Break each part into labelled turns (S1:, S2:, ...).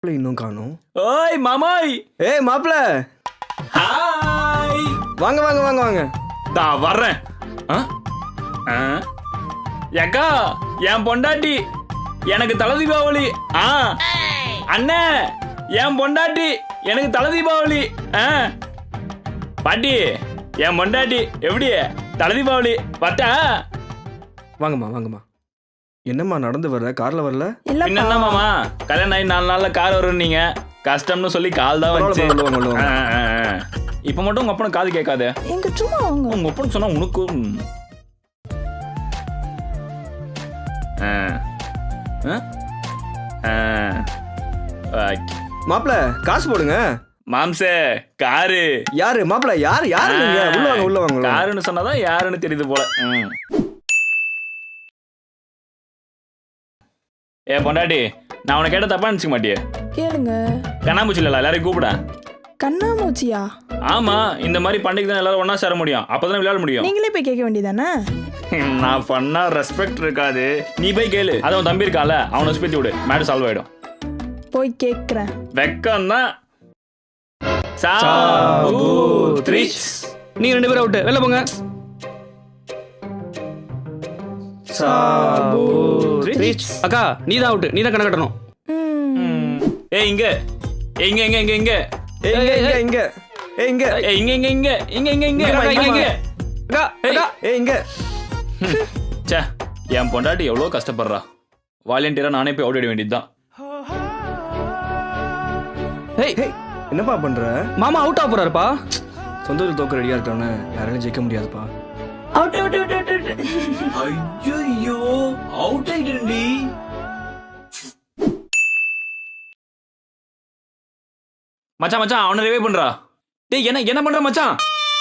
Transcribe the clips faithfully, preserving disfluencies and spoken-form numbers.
S1: மாப்பிள்ளை இன்னும் காணும்.
S2: ஓய் மாமாய்.
S1: ஏய் மாப்பிள்ள,
S2: ஹாய்.
S1: வாங்க வாங்க வாங்க வாங்க.
S2: தா வர்றேன். ஆ? ஆ? ஏக்கா என் பொண்டாட்டி எனக்கு தலை தீபாவளி. ஆ அண்ணே என் பொண்டாட்டி எனக்கு தலை தீபாவளி. ஆ பாட்டி என் பொண்டாட்டி எப்படி தலை தீபாவளி பட்டா.
S1: வாங்கம்மா வாங்கம்மா. என்னம்மா நடந்து வர்ற, கார்ல வரல?
S2: என்ன மாமா கல்யாணம் ஆகி நாலு நாள்ல கார் வரும் நீங்க கஷ்டம்னு சொல்லி கால் தான் வந்துச்சு. இப்ப மட்டும் உங்க அப்பனுக்கு காது கேட்காது.
S3: எங்க சும்மா வாங்க.
S2: உங்க அப்பனு சொன்னா உனக்கும்
S1: மாப்பிள்ள காசு போடுங்க.
S2: மாம்சே காரு
S1: யாரு மாப்பிள்ள? யாரு யாரு நீங்க? உள்ள வாங்க உள்ள வாங்க.
S2: காருன்னு சொன்னாதான் யாருன்னு தெரியுது போல. ஏ பொண்டாட்டி, நான் உனக்கு கேட்ட தப்பா நினைச்சுக்க மாட்டியே?
S3: கேளுங்க.
S2: கண்ணாமூச்சி இல்ல எல்லாரையும் கூப்பிட.
S3: கண்ணாமூச்சியா?
S2: ஆமா, இந்த மாதிரி பண்டிகை தான் எல்லாரும் ஒன்னா சேர முடியும், அப்பதான் விளையாட முடியும்.
S3: நீங்களே போய் கேட்க வேண்டியதானே?
S2: நான் பண்ணா ரெஸ்பெக்ட் இருக்காது, நீ போய் கேளு. அது அவன் தம்பி இருக்கால, அவனை ஸ்பேத்தி விடு, மேடு சால்வ் ஆயிடும்.
S3: போய் கேட்கிறேன்.
S2: வெக்கம் தான்.
S4: நீங்க ரெண்டு பேரும் அவுட்டு, வெளில போங்க. அக்கா நீ தான் அவுட்டு, நீ தான் கணக்கு கட்டணும்.
S2: ஏய் இங்க ஏய் இங்க இங்க இங்க இங்க
S1: ஏய் இங்க இங்க இங்க ஏய் இங்க
S2: ஏய் இங்க இங்க இங்க இங்க இங்க இங்க இங்க இங்க
S1: அக்கா அக்கா ஏய் இங்க.
S2: ச்சே, என் பொண்டாட்டி எவ்வளவு கஷ்டப்படுறா. வாலண்டியரா நானே போய் அவுட் ஆட வேண்டியதுதான்.
S4: ஏய்
S1: ஏய் என்னப்பா பண்ற?
S4: மாமா அவுட் ஆக போறாருப்பா.
S1: சொந்தத்தில் தோக்க ரெடியா இருக்கவன யாராலையும் ஜெயிக்க முடியாதுப்பா.
S3: Out out out out.
S2: ஐயோ அவுட் ஆயிடுடி. மச்சான் மச்சான் அவனை ரிவைவ் பண்றா. டேய் என்ன என்ன பண்ற மச்சான்?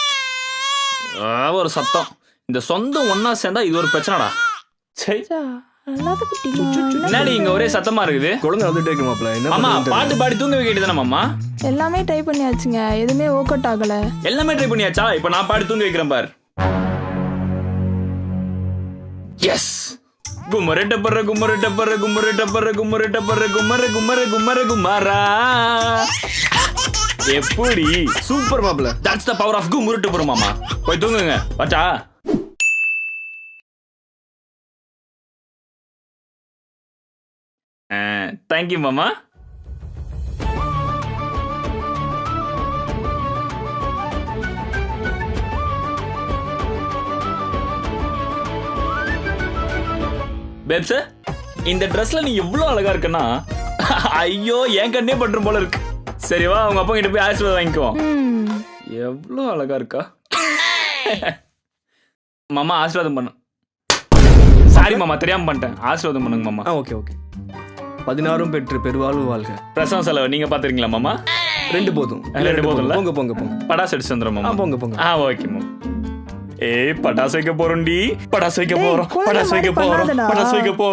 S2: ஒரு சத்தம். இந்த சொந்தம் ஒன்னா சேர்ந்தா இது ஒரு பிரச்சனைடா. சரி
S3: அல்லாத குட்டி.
S2: என்னடி இங்க ஒரே சத்தமா இருக்குது?
S1: குழந்தை வந்துட்டே இருக்கு மாப்பிள்ள. என்ன
S2: அம்மா
S1: பண்றதுன்னு
S2: பாட்டு பாடி தூங்க வைக்கிட்டுதானே மாமா?
S3: எல்லாமே ட்ரை பண்ணியாச்சுங்க, எதுவுமே ஒர்க் அவுட் ஆகல.
S2: எல்லாமே ட்ரை பண்ணியாச்சா? இப்ப நான் பாடி தூங்க வைக்கிறேன் பார். எஸ். குமர டப்பர குமர டப்பர குமர டப்பர குமர டப்பர குமர குமர குமர குமாரா. எப்படி
S1: சூப்பர் மாப்பிள்ள.
S2: That's the power of Kumara டப்பர மாமா. போய் தூங்குங்க பச்சா. தேங்க் யூ மாமா. பேப்ஸ், இந்த ட்ரெஸ்ல நீ எவ்வளவு அழகா இருக்கன்னா ஐயோ என் கண்ணே பட்டுரும் போல இருக்கு. சரிவா அவங்க அப்பா கிட்ட போய் ஆசீர்வாதம் வாங்கிக்குவோம். எவ்வளவு அழகா இருக்கா. மாமா ஆசீர்வாதம் பண்ணு. சாரி மாமா தெரியாம பண்ணிட்டேன், ஆசீர்வாதம் பண்ணுங்க மாமா.
S1: ஆ ஓகே ஓகே. பதினாறும் பெற்று பெருவாழ்வு வாழ்க.
S2: பிரசவ செலவு நீங்க பாத்துறீங்களா மாமா?
S1: ரெண்டு போதும்.
S2: ரெண்டு போதும்ல?
S1: போங்க போங்க போங்க.
S2: படாசு அடிச்சு வந்துடும் மாமா.
S1: போங்க போங்க.
S2: ஆ ஓகே மாமா. ஏய் பட்டாசு வைக்க போறோம்டி, பட்டாசு வைக்க போறோம், பட்டாசு வைக்க போறோம், பட்டாசு வைக்க போறோம்.